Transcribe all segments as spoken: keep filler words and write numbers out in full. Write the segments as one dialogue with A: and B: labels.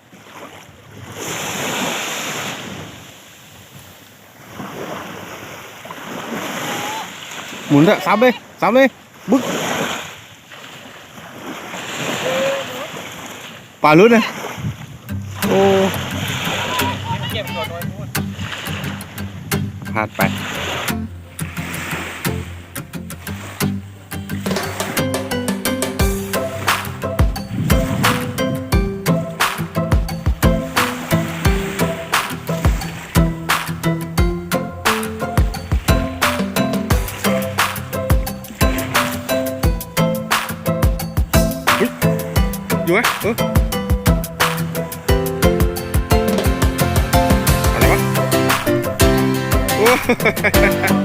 A: หมุนอะซับเลยซับเลยบึ๊กปลาลุ้นเลยโอ้พลาดไปอยู่ไหมเอออะไรวะโอ้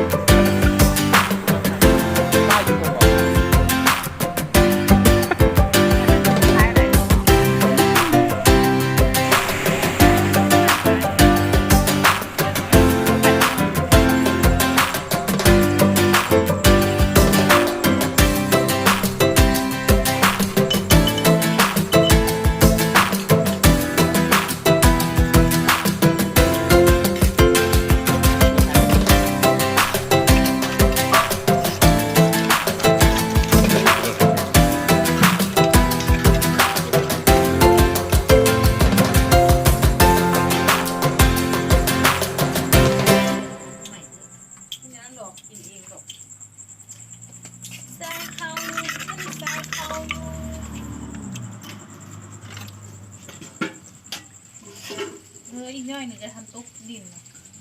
B: เฮ้ยอีกหน่อยหนึ่งจะทำตุ๊กดิน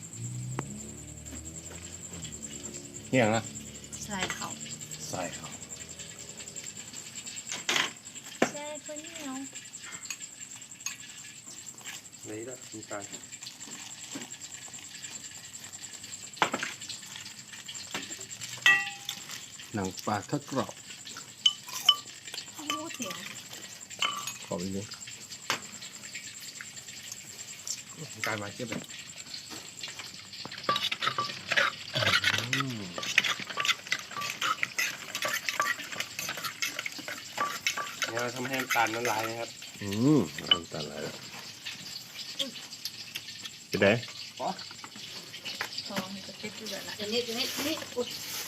A: เนี่ยนะ
B: ใส่เขา
A: ใส่เขา
B: ใส่คนเหนียว
A: นี่ละมีการหนังปลาทอดกรอบ
B: โอ้เสียง
A: ขอบอีกนิดการมาเทียบเลยเนี่ยเราทำให้น้ำตาลละลายนะครับอืมน้ำตาลละลายไปไหน
B: ทองมันจะติดอยู่แบบนั้นนี่นี่นี่อุ้ย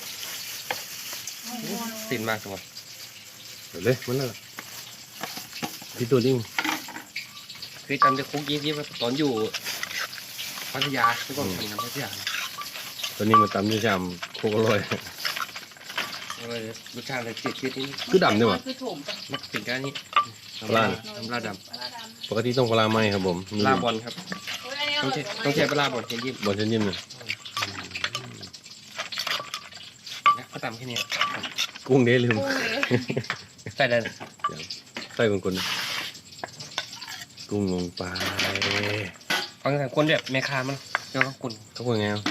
A: ติดมากจังวะเดี๋ยวเลยมันน่ะพี่ตัวนิ่งคือจำได้คุกยี่ที่ตอนอยู่พัทยาที่ก่อนกินน้ำพัทยาตอนนี้มันตำนี่จำโคกอร่อยรสชาติอะไรจืดจืดนี่คือดำด้วยวะ
B: คือถมปะ
A: มันเป็นการนี้
C: ปลา
A: น้ำปลาด
C: ปกติต้องปลาไหมครับผม
A: ำปลาบอลครับต้องใช้ต้องใช้ปลาบอลเชนยิบบ
C: อลเส้นนิ่มเลย
A: นะเขาตำแค่นี้
C: กุ้งเด้ลืม
A: ใส่ได้
C: ใส่คนๆกุ้งลงไป
A: ฟังทางคนแบบแม่ค้ามันเจ้าก็คุณ
C: เขาพูดไงอ่ะ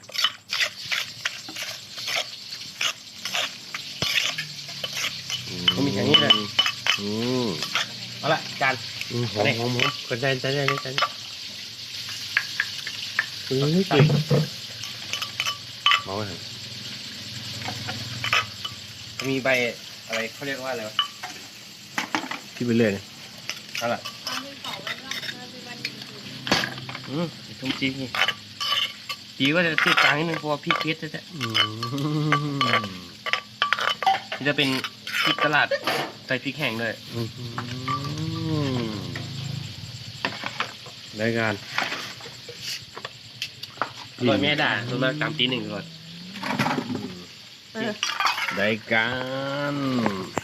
A: ก็มีอย่างนี้เลย
C: อืม
A: เอาละจาน
C: อืมหอมหอมหอมกระจายกระจายกระจายเฮ้ยเก่งเมาไหม
A: มีใบอะไรเขาเรียกว่าอะไรวะ
C: พี่ไปเรื่อยเลย
A: เอาละอืมทุ่มจีนี่จีก็จะติดกลางนิดนึงเพราะว่าพริกเพชรแท้
C: อืม
A: ๆนี่จะเป็นพริกตลาดใส่พริกแห้งด้วย
C: อืมได้การ
A: อร่อยแม่ด่าส่วนมากตามตีหนึ่งก่อน
C: ได้การ